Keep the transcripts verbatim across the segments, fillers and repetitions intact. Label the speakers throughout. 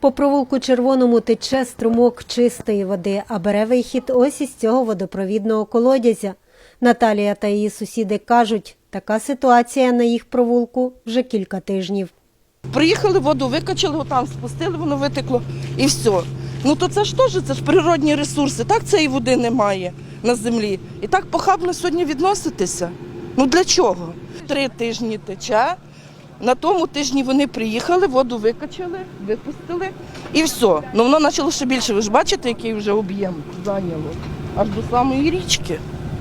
Speaker 1: По провулку Червоному тече струмок чистої води, а бере вихід ось із цього водопровідного колодязя. Наталія та її сусіди кажуть, така ситуація на їх провулку вже кілька тижнів.
Speaker 2: Приїхали, воду викачали, отам спустили, воно витекло і все. Ну то це ж теж, це ж природні ресурси, так цієї води немає на землі. І так похабно сьогодні відноситися. Ну для чого? Три тижні тече, на тому тижні вони приїхали, воду викачали, випустили і все. Ну воно почало ще більше, ви ж бачите, який вже об'єм зайняло, аж до самої річки.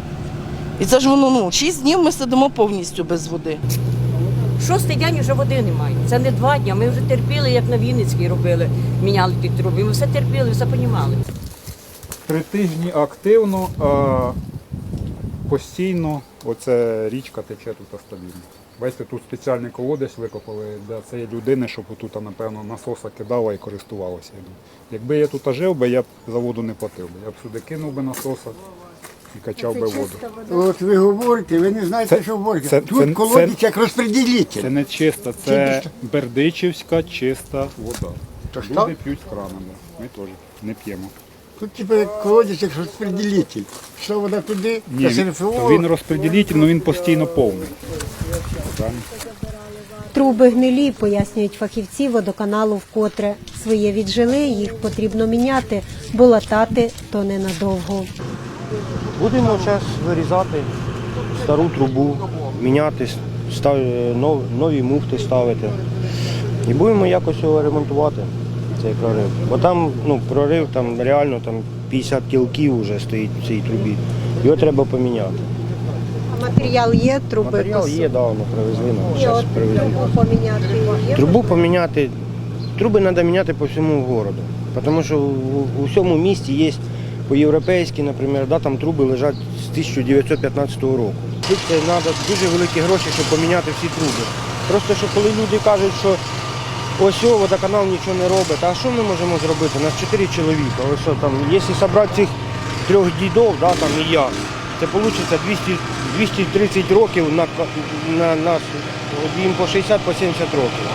Speaker 2: І це ж воно, ну, шість днів ми сидимо повністю без води.
Speaker 3: Шостий день вже води немає. Це не два дні. Ми вже терпіли, як на Вінницькій робили, міняли ті труби. Ми все терпіли, все розуміли.
Speaker 4: Три тижні активно, а постійно оця річка тече тут стабільно. Бачите, тут спеціальний колодязь викопали для цієї людини, щоб тут, напевно, насоса кидала і користувалася. Якби я тут жив би, я б за воду не платив би. Я б сюди кинув би насоса і качав би воду.
Speaker 5: От ви говорите, ви не знаєте,
Speaker 4: Це-
Speaker 5: що говорите.
Speaker 4: це-
Speaker 5: Тут
Speaker 4: це-
Speaker 5: колодязь
Speaker 4: це-
Speaker 5: як розподілитель.
Speaker 4: Це не чиста, це бердичівська чиста вода.
Speaker 5: То що?
Speaker 4: Люди п'ють з крана, ми теж не п'ємо.
Speaker 5: Тут типу як колодязь як розподілитель. Що вода туди,
Speaker 4: Ні,
Speaker 5: та
Speaker 4: він,
Speaker 5: СРФО.
Speaker 4: він розподілитель, але він постійно повний. Правильно?
Speaker 1: Труби гнилі, пояснюють фахівці водоканалу вкотре. Своє віджили, їх потрібно міняти, бо латати то ненадовго.
Speaker 6: Будемо зараз вирізати стару трубу, міняти, став- нов- нові муфти ставити. І будемо якось його ремонтувати, цей прорив. Бо там ну, прорив там реально там п'ятдесят кілків вже стоїть в цій трубі. Його треба поміняти.
Speaker 1: А матеріал є, труби?
Speaker 6: Матеріал є, давно привезли, нам
Speaker 1: І
Speaker 6: зараз
Speaker 1: от
Speaker 6: привезли.
Speaker 1: трубу поміняти є?
Speaker 6: Трубу поміняти, труби треба міняти по всьому місту. Тому що у, у всьому місті є по-європейськи, наприклад, да, там труби лежать з тисяча дев'ятсот п'ятнадцятого року. Тут це треба дуже великі гроші, щоб поміняти всі труби. Просто що коли люди кажуть, що ось о, водоканал нічого не робить, а що ми можемо зробити? У нас чотири чоловіка. Ось що, там, якщо зібрати цих трьох дідів, да, там, і я, це вийде двісті, двісті тридцять років на, на нас, їм по шістдесят, по сімдесят років.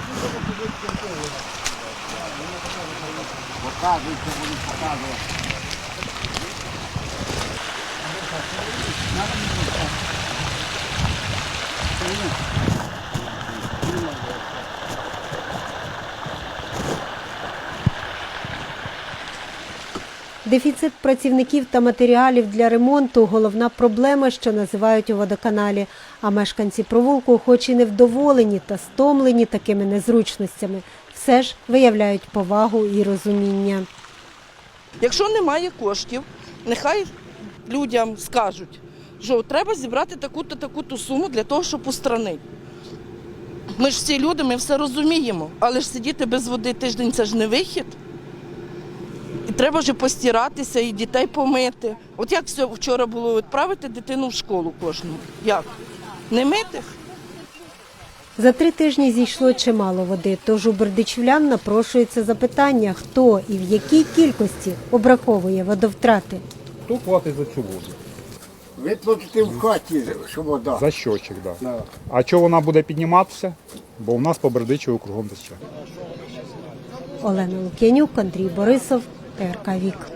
Speaker 1: Дефіцит працівників та матеріалів для ремонту – головна проблема, що називають у водоканалі. А мешканці провулку, хоч і невдоволені та стомлені такими незручностями, все ж виявляють повагу і розуміння.
Speaker 2: Якщо немає коштів, нехай людям скажуть, що треба зібрати таку-то, таку-то суму для того, щоб устранити. Ми ж всі люди, ми все розуміємо, але ж сидіти без води тиждень – це ж не вихід. І треба вже постиратися і дітей помити. От як все вчора було, відправити дитину в школу кожну? Як? Не мити?
Speaker 1: За три тижні зійшло чимало води, тож у бердичівлян напрошується запитання, хто і в якій кількості обраховує водовтрати.
Speaker 4: Хто платить за цю воду?
Speaker 5: Ви платите в хаті, що вода.
Speaker 4: За щочик, так. Да.
Speaker 5: Да.
Speaker 4: А чого вона буде підніматися? Бо у нас по Бердичеву кругом тече.
Speaker 1: Олена Лук'янюк, Андрій Борисов, Т Р К Вік.